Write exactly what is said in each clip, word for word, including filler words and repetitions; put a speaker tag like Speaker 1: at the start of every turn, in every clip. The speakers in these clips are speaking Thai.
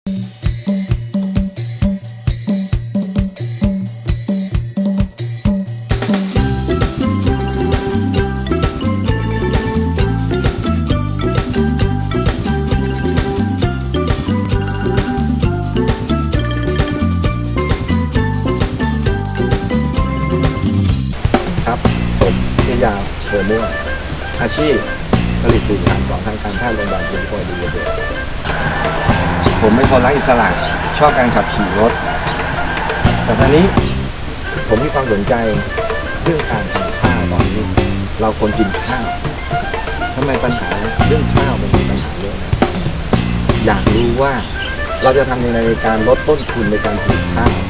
Speaker 1: ครับผมพิยาเบอร์ม่วงอาชีพผลิตสินค้าของทางการแพทย์โรงพยาบาลจุฬาภรณ์ดีเด่นผมเป็นคนรักอิสระชอบการขับขี่รถแต่ตอนนี้ผมมีความสนใจเรื่องการทำข้าวตอนนี้เราควรกินข้าวทำไมปัญหาเรื่องข้าวมันมีปัญหาเยอะนะอยากรู้ว่าเราจะทำยังไงในการลดต้นทุนในการปลูกข้าว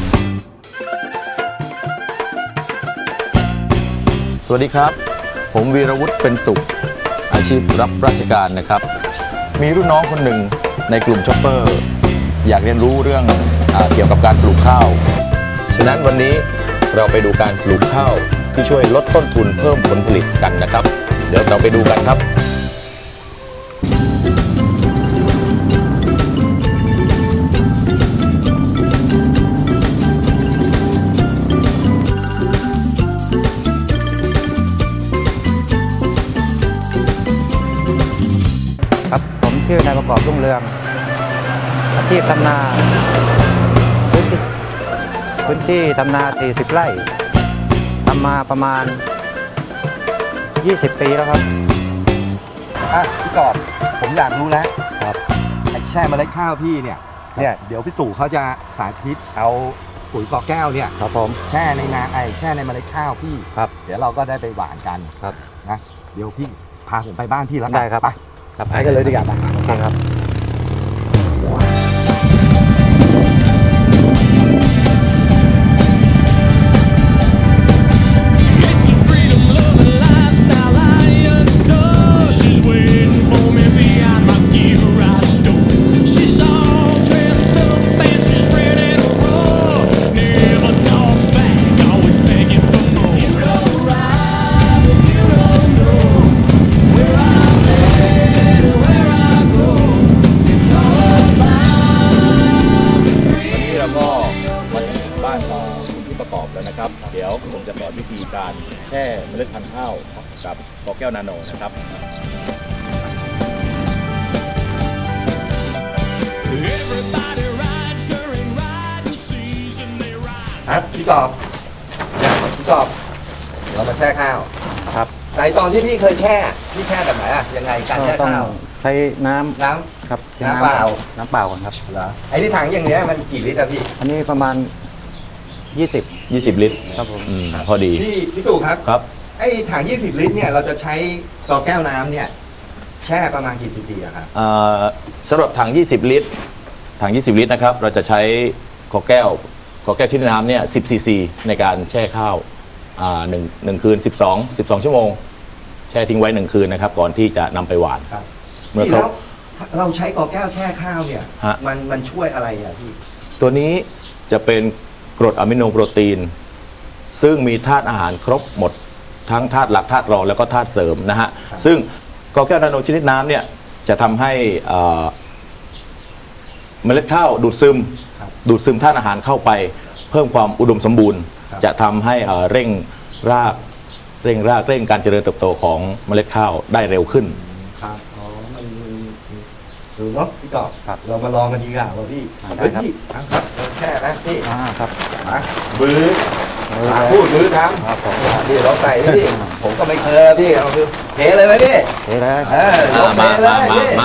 Speaker 2: สวัสดีครับผมวีรวุฒิเป็นสุขอาชีพรับราชการนะครับมีรุ่นน้องคนหนึ่งในกลุ่มช็อปเปอร์อยากเรียนรู้เรื่องอ่าเกี่ยวกับการปลูกข้าวฉะนั้นวันนี้เราไปดูการปลูกข้าวที่ช่วยลดต้นทุนเพิ่มผลผลิตกันนะครับเดี๋ยวเราไปดูกันครับ
Speaker 3: ครับผมชื่อนายประกอบรุ่งเรืองอาชีพทำนาพื้นที่พื้นที่ทำนาสี่สิบไร่ทำมาประมาณยี่สิบปีแล้วครับ
Speaker 1: อ่ะพี่กอบผมอยากรู้แล้วครับไอ้แช่เมล็ดข้าวพี่เนี่ยเนี่ยเดี๋ยวพี่ตู่เขาจะสาธิตเอาปุ๋ยกอแก้วเนี่ย
Speaker 3: ครับผม
Speaker 1: แช่ในนาไอแช่ในเมล็ดข้าวพี่
Speaker 3: ครับ
Speaker 1: เดี๋ยวเราก็ได้ไปหว่านกัน
Speaker 3: ครับ
Speaker 1: นะเดี๋ยวพี่พาผมไปบ้านพี่แล้วกัน
Speaker 3: ได้ครับ
Speaker 1: ไป
Speaker 3: ครับ
Speaker 1: ไปกันเลยดีกว่าไป
Speaker 3: โอเคครับ
Speaker 2: นะครับเดี๋ยวผมจะสอนวิธีการแช่เมล็ดพันธุ์ข้าวกับกอแก้วนาโนนะครับ
Speaker 1: ครับพี่กอบเนี่ยพี่กอบเรามาแช่ข้าว
Speaker 3: ครับ
Speaker 1: ในตอนที่พี่เคยแช่พี่แช่แบบไหนอะยังไงการแช่ข้าว
Speaker 3: ใช้น้ำ
Speaker 1: น้
Speaker 3: ำครับ
Speaker 1: น้ำเปล่า
Speaker 3: น้ำเปล่าก่อนครับ
Speaker 1: เหรอไอ้ที่ถังอย่างเงี้ยมันกี่ลิตรอะพี่
Speaker 3: อันนี้ประมาณยี่สิบ
Speaker 2: ยี่สิบลิตร
Speaker 3: ครับผม
Speaker 2: อืมพอดี
Speaker 1: พี่พี่ตู่ครับ
Speaker 2: ครับ
Speaker 1: ไอ้ถังยี่สิบลิตรเนี่ยเราจะใช้กอแก้วน้ำเนี่ยแช่ประมาณกี่ซีซีอะครับ
Speaker 2: อ่าสำหรับถังยี่สิบลิตรถังยี่สิบลิตรนะครับเราจะใช้กอแก้วกอแก้วชนิดน้ำเนี่ยสิบซีซีในการแช่ข้าวอ่าหนึ่งหนึ่งคืนสิบสอง สิบสองชั่วโมงแช่ทิ้งไว้หนึ่งคืนนะครับก่อนที่จะนำไปหว่าน
Speaker 1: ครับ
Speaker 2: เมื่อ
Speaker 1: แล้วเราใช้กอแก้วแช่ข้าวเนี่ยมันมันช่วยอะไรอะพี่
Speaker 2: ตัวนี้จะเป็นกรดอะมิโนโปรตีนซึ่งมีธาตุอาหารครบหมดทั้งธาตุหลักธาตุรองแล้วก็ธาตุเสริมนะฮะซึ่งกอแก้วนาโนชนิดน้ำเนี่ยจะทำให้เมล็ดข้าวดูดซึมดูดซึมธาตุอาหารเข้าไปเพิ่มความอุดมสมบูรณ์จะทำให้เร่งรากเร่งรากเร่งการเจริญเติบโตของเมล็ดข้าวได้เร็วขึ้น
Speaker 1: ครับอ๋อมันดูเนาะพี่กอบเรามาลองกันดีกว่าว่าพี่เฮ้ยพี่ทำครับแช่นะพี่
Speaker 3: อ่าครับ
Speaker 1: มาบื้อพูดบื้อทำ
Speaker 3: ครับผม
Speaker 1: พี่เราใส่พี่ผมก็ไม่เคยพี่เอาคือเทเลยไหมพี่
Speaker 3: เทเลย
Speaker 1: เออ
Speaker 2: มามามามา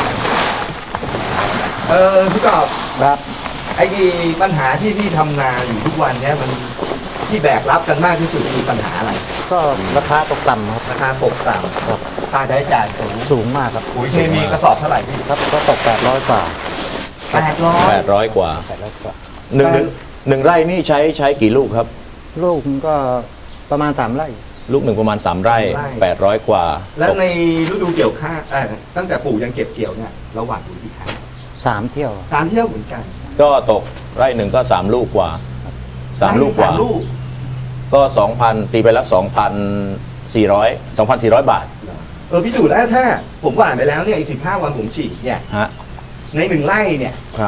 Speaker 1: เออพี่กอบ
Speaker 3: ครับ
Speaker 1: ไอ้ที่ปัญหาที่พี่ทำนาอยู่ทุกวันเนี้ยมันที่แบกรับกันมากที่สุดคือปัญหาอะไร
Speaker 3: ก็ราคาตกต่ำครับ
Speaker 1: ราคาตกต่ำครับค่าใช้จ่ายสูง
Speaker 3: สูงมากครับ
Speaker 1: ปุ๋ยเคมีกระสอบเท่าไหร่พี่
Speaker 3: ครับก็ตกแปดร้อยกว่า
Speaker 1: แปดร้อย
Speaker 2: แปดร้อยกว่า
Speaker 3: แปดร้อยกว่า
Speaker 2: หนึ่งหนึ่งไร่นี่ใช้ใช้กี่ลูกครับ
Speaker 3: ลูกก็ประมาณสามไร่
Speaker 2: ลูกหนึ่งประมาณสามไร่แปดร้อยกว่า
Speaker 1: แล้วในฤดูเกี่ยวข้าวตั้งแต่ปลูกยังเก็บเกี่ยวเนี่ยเราหว่านปุ๋ยกี่ครั้ง
Speaker 3: สามเที่ยว
Speaker 1: สามเที่ยวเหมือนกัน
Speaker 2: ก็ตกไร่หนึ่งก็สามลูกกว่าสามลูกกว่าก็สองพันตีไปแล้วสองพันสี่ร้อยสองพันสี่ร้อยบาท
Speaker 1: เออพี่ตู่แล้วถ้าผมหว่านไปแล้วเนี่ยอีกสิบห้าวันผมฉีดเนี่ยในหนึ่งไร่เนี่ย
Speaker 2: ครับ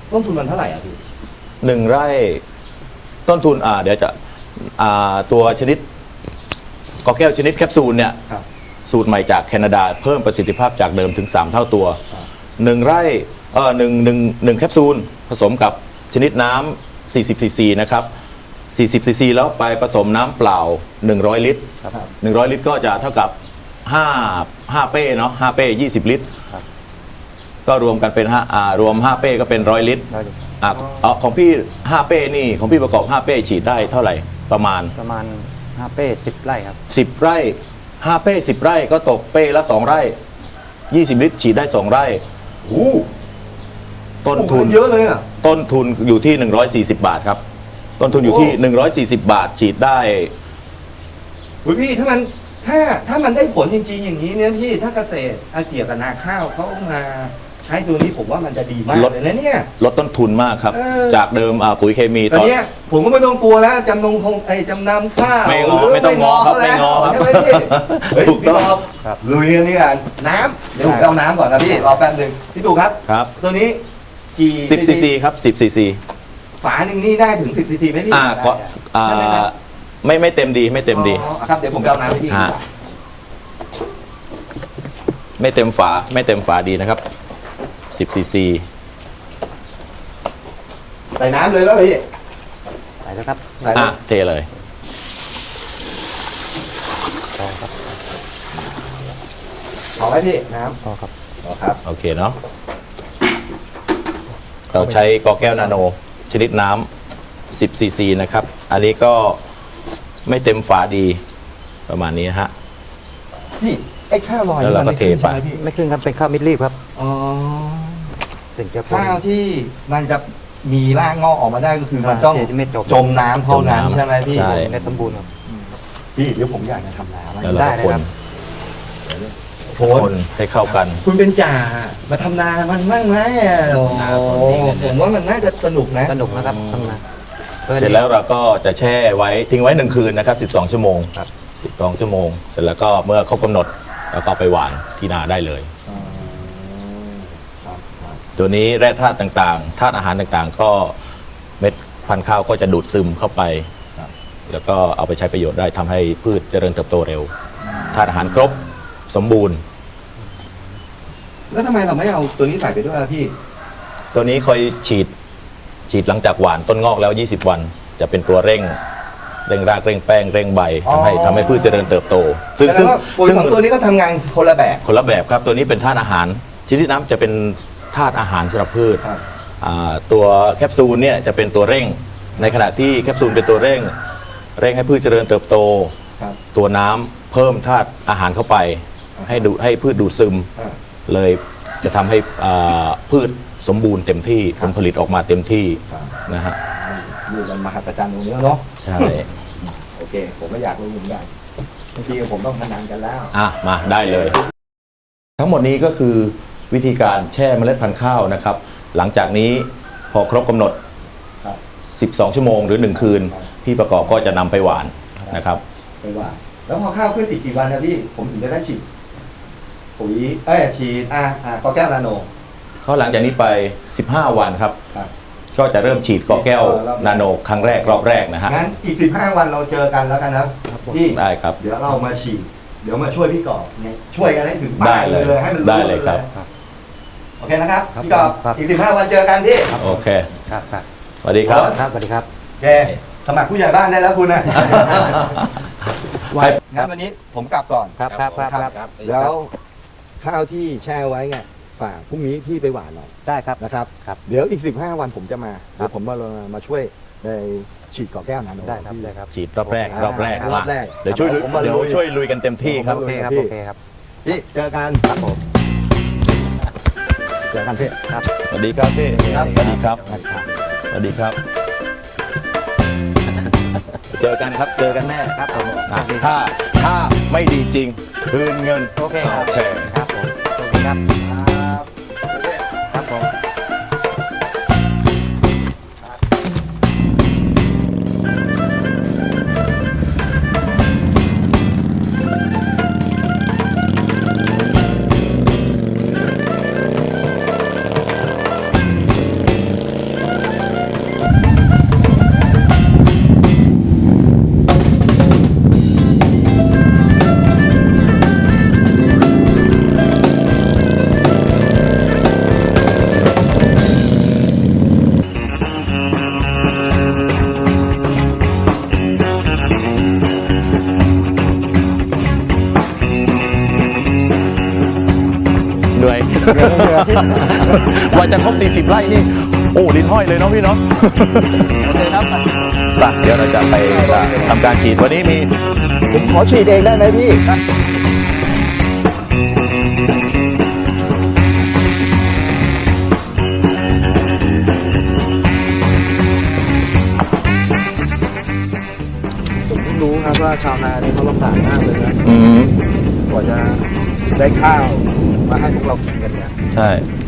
Speaker 1: ต้นทุนมันเท่าไหร่อ่ะพี่
Speaker 2: หนึ่งไร่ต้นทุนอ่าเดี๋ยวจะอ่าตัวชนิดกอแก้วชนิดแคปซูลเนี่ย
Speaker 1: ครับ
Speaker 2: สูตรใหม่จากแคนาดาเพิ่มประสิทธิภาพจากเดิมถึง สาม เท่าตัว
Speaker 1: ครับ
Speaker 2: หนึ่งไร่เออหนึ่งหนึ่งหนึ่งแคปซูลผสมกับชนิดน้ำสี่สิบซีซีนะครับสี่สิบซีซีแล้วไปผสมน้ำเปล่าหนึ่งร้อยลิตร
Speaker 3: ครับ
Speaker 2: หนึ่งร้อยลิตรก็จะเท่ากับห้า ห้าเป้เนาะห้าเป้ยี่สิบลิตร
Speaker 3: ครับ
Speaker 2: ก็รวมกันเป็นห้าอ่ารวมห้าเป้ก็เป็นร้อยลิตร
Speaker 3: ได้เลย
Speaker 2: อ่ะเอาของพี่ห้าเป้นี่ของพี่ประกอบห้าเป้ฉีดได้เท่าไหร่ประมาณ
Speaker 3: ประมาณห้าเป้สิบไร่ครับ
Speaker 2: สิบไร่ห้าเป้สิบไร่ก็ตกเป้ละสองไร่ยี่สิบลิตรฉีดได้สองไร่
Speaker 1: โอ้
Speaker 2: ต้นทุน
Speaker 1: เยอะเลยอ่ะ
Speaker 2: ต้นทุนอยู่ที่หนึ่งร้อยสี่สิบบาทครับต้นทุนอยู่ที่
Speaker 1: โอ้
Speaker 2: หนึ่งร้อยสี่สิบบาทฉีดได้
Speaker 1: อุ๊ยพี่ถ้ามันถ้าถ้ามันได้ผลจริงๆอย่างนี้เนี่ยพี่ถ้าเกษตรอาเกี่ยวกับนาข้าวเขามาใช้ตัวนี้ผมว่ามันจะดีมาก
Speaker 2: ลด
Speaker 1: เลยนะเนี่ย
Speaker 2: ลดต้นทุนมากครับ
Speaker 1: เออ
Speaker 2: จากเดิมอ่าปุ๋ยเคมี
Speaker 1: ตอนเนี้ยผมก็ไม่ต้องกลัวแล้วจำนงคงไอ้จำนำข้าว
Speaker 2: ไม่งอ
Speaker 1: ห
Speaker 2: ไม่ต้องงอครับไม่งอครับ
Speaker 1: ใช่ไหมพี่เฮ้ย
Speaker 2: ถูก
Speaker 1: พี่
Speaker 2: ต้อง
Speaker 1: ตอบ
Speaker 3: ครับ
Speaker 1: ลุยกันนี่กันน้ำเดี๋ยวผมไปเอาน้ำก่อนนะพี่รอแป๊บหนึงพี่ตู่ครับ
Speaker 2: ครับ
Speaker 1: ตัวนี้กี่
Speaker 2: สิบซีซีครับสิบซีซี
Speaker 1: ฝาหนึ่งนี่ได้ถึงสิบซีซีไหมพี่
Speaker 2: อ่าก็อ่า
Speaker 1: ใช่ไหมครับ
Speaker 2: ไม่ไม่เต็มดีไม่เต็มดี
Speaker 1: อ๋อครับเดี๋ยวผมไปเอาน้ำให้พี่
Speaker 2: ฮะ ไม่เต็มฝาไม่เต็มฝาดีนะครับสิบซีซี
Speaker 1: ใส่น้ำเลยแล้วพี่
Speaker 3: ใส่แล้วครับ
Speaker 1: ใส่
Speaker 2: อ่ะ
Speaker 1: น้ำ
Speaker 2: เทเลย
Speaker 3: พอครับ
Speaker 1: พอไหมพี่น้
Speaker 3: พอครับ
Speaker 1: ำพอครับ
Speaker 2: โอเคเนาะเราใช้กอแก้วนาโนชนิดน้ำสิบซีซีนะครับ อันนี้ก็ไม่เต็มฝาดีประมาณนี้นะฮะ
Speaker 1: พี่ไอ้ข้าวลอย
Speaker 2: แล้วเราก็
Speaker 1: มันม่ขึ้น
Speaker 2: เทไป
Speaker 1: ใช่หมพี่
Speaker 3: ไม่ขึ้นครับเป็นข้าวมิดรีบครับ
Speaker 1: อ๋อ
Speaker 3: สิ่งจะ
Speaker 1: ข้าวที่มันจะมีรากงอกออกมาได้ก็คือมันต้อง
Speaker 3: ไม่จม
Speaker 1: จมน้ำเท่านั้นใช่ไหมพี่
Speaker 2: ใช่
Speaker 3: ในสมบูรณ์ครับ
Speaker 1: พี่เดี๋ยวผมอยากจะทำน้ำ
Speaker 2: แล้วเรา
Speaker 3: ได้
Speaker 2: ก็
Speaker 3: เลย
Speaker 2: คน
Speaker 3: ครับ
Speaker 1: โพ
Speaker 2: ค
Speaker 1: ส
Speaker 2: นให้เข้ากัน
Speaker 1: คุณเป็นจ่ามาทำนามันมั่งไหมอ่ะโอ้โหผมว่ามันน่าจะสนุกนะ
Speaker 3: สนุกนะครับทำงาน
Speaker 2: เสร็จแล้วเราก็จะแช่ไว้ทิ้งไว้หนึ่งคืนนะครับสิบสองชั่วโมง
Speaker 3: ครับ
Speaker 2: สิบสองชั่วโมง เสร็จแล้วก็เมื่อครบกำหนดแล้วก็ไปหว่านที่นาได้เลย
Speaker 1: อ๋อครับครับ
Speaker 2: ตัวนี้แร่ธาตุต่างๆธาตุอาหารต่างๆ ก็เม็ดพันธุ์ข้าวก็จะดูดซึมเข้าไป
Speaker 1: ครับ
Speaker 2: แล้วก็เอาไปใช้ประโยชน์ได้ทำให้พืชเจริญเติบโตเร็วธาตุอาหารครบสมบูรณ์
Speaker 1: แล้วทำไมเราไม่เอาตัวนี้ใส่ไปด้วยอ่ะพี่
Speaker 2: ตัวนี้คอยฉีดฉีดหลังจากหว่านต้นงอกแล้ว ยี่สิบ วัน จะเป็นตัวเร่ง เร่งรากเร่งแป้งเร่งใบทำให้
Speaker 1: อ๋อ
Speaker 2: ทำให้พืชเจริญเติบโต ซึ่ง
Speaker 1: แสด
Speaker 2: ซึ่
Speaker 1: ง
Speaker 2: ง
Speaker 1: ว่าปุ๋ย
Speaker 2: ซึ่ง
Speaker 1: ของตัวนี้ก็ทำงานคนละแบบ
Speaker 2: คนละแบบครับ ตัวนี้เป็นธาตุอาหารชนิดน้ำจะเป็นธาตุอาหารสำหรับพืช
Speaker 1: ครับ
Speaker 2: อ่าตัวแคปซูลเนี่ยจะเป็นตัวเร่ง ในขณะที่แคปซูลเป็นตัวเร่ง เร่งให้พืชเจริญเติบโต
Speaker 1: ครับ
Speaker 2: ตัวน้ำเพิ่มธาตุอาหารเข้าไป
Speaker 1: อ่า
Speaker 2: ให้ดูให้พืชดูดซึม
Speaker 1: อ่า
Speaker 2: เลยจะทำให้อ่าพืชสมบูรณ์เต็มที่
Speaker 1: ค
Speaker 2: ผ
Speaker 1: รับ
Speaker 2: ลผลิตออกมาเต็มที่
Speaker 1: ครับ
Speaker 2: นะฮะ
Speaker 1: ดูกันมหัศจรรย์ตรงนี้เนาะ
Speaker 2: ใช่
Speaker 1: โอเค ผมก็อยากรู้เหมือนกันบางทีผมต้องพนันกันแล้ว
Speaker 2: อ่ะมาได้เลย ทั้งหมดนี้ก็คือวิธีการแช่เมล็ดพันธุ์ข้าวนะครับ หลังจากนี้พอครบกำหนด
Speaker 1: ครับ
Speaker 2: สิบสอง ชั่วโมงหรือ หนึ่ง คืน
Speaker 1: ครับ
Speaker 2: พี่ประกอบก็จะนำไปหวานนะครับ
Speaker 1: ไปว่า แล้วพอข้าวขึ้นอีกกี่วันนะพี่ ผมถึงจะได้ฉีดปุ๋ยเอ้ยฉีดอ่าอ่ากอแก้วนาโน
Speaker 2: ก็หลังจากนี้ไป สิบห้า วันครับ
Speaker 1: ครับ
Speaker 2: ก็จะเริ่มฉีดกอแก้วนาโนครั้งแรกรอบแรกนะฮะ
Speaker 1: งั้นอีกสิบห้าวันเราเจอกันแล้วกันนะครับพี่
Speaker 2: ได้ครับ
Speaker 1: เดี๋ยวเรามาฉีด เดี๋ยวมาช่วยพี่กอบเนี่ยช่วยกันให้ถึง
Speaker 2: ได้
Speaker 1: บ้าน
Speaker 2: เลย
Speaker 1: เลยให้มัน
Speaker 2: ได้เลยครับ
Speaker 1: โอเคนะครับ
Speaker 3: ครับ
Speaker 1: พี่กอบ
Speaker 3: ครับ
Speaker 1: อีกสิบห้าวันเจอกันพี่
Speaker 2: โอเค
Speaker 3: ครับครับ
Speaker 2: สวัสดีครับ
Speaker 3: ครับสวัสดีครับ
Speaker 1: แกสมัครผู้ใหญ่บ้านได้แล้วคุณนะ
Speaker 2: ให้
Speaker 1: งั้นวันนี้ผมกลับก่อน
Speaker 3: ครับครับครับครับ
Speaker 1: แล้วข้าวที่แช่ไว้ไงฝากพรุ่งนี้พี่ไปหว่านหน่อย
Speaker 3: ได้ครับ
Speaker 1: นะครับ
Speaker 3: ครับ
Speaker 1: เดี๋ยวอีกสิบห้าวันผมจะมา
Speaker 3: ครับ
Speaker 1: เดี๋ยวผมมามาช่วยในฉีดก่อแก้วนาโน
Speaker 3: ได้ครับได้ครับ
Speaker 2: ฉีดรอบแรกรอบแรก
Speaker 1: รอบแรก
Speaker 2: เดี๋ยวช่วยลุย
Speaker 1: ผมมา
Speaker 2: เดี๋ยว
Speaker 1: ลุย
Speaker 2: ช่วยลุยกันเต็มที่ครับ
Speaker 3: โอเคครับ
Speaker 1: พี่
Speaker 3: โอเคครับ
Speaker 1: พี่เจอกันครับผมเจอกันพี่
Speaker 3: ครับ
Speaker 2: สวัสดีครับพี่
Speaker 1: ครับ
Speaker 2: สวัสดีครับ สวัสดีครับ เจอกันครับ เจอกันแน่
Speaker 3: ครับผม
Speaker 2: อ่ะถ้าถ้าไม่ดีจริง คืนเงิน
Speaker 3: โอเคครับ
Speaker 2: โอเค
Speaker 3: ครับผมโอเคครับ ครับผม
Speaker 1: ยังไม่เหลือที่
Speaker 2: ว่าจะครบสี่สิบไร่นี่ โอ้ลิ้นห้อยเลยเนาะพี่เนาะ
Speaker 1: โอเคครับ
Speaker 2: ไปเดี๋ยวเราจะไปทำการฉีดวันนี้มี
Speaker 1: ผมขอฉีดเองได้ไหมพี่ ผมเพิ่งรู้ครับว่าชาวนานี่เขาลำบากมากเลยนะ
Speaker 2: อืม
Speaker 1: กว่าจะได้ข้าวมาให้พวกเรากินกันเนี่ย
Speaker 2: ใช่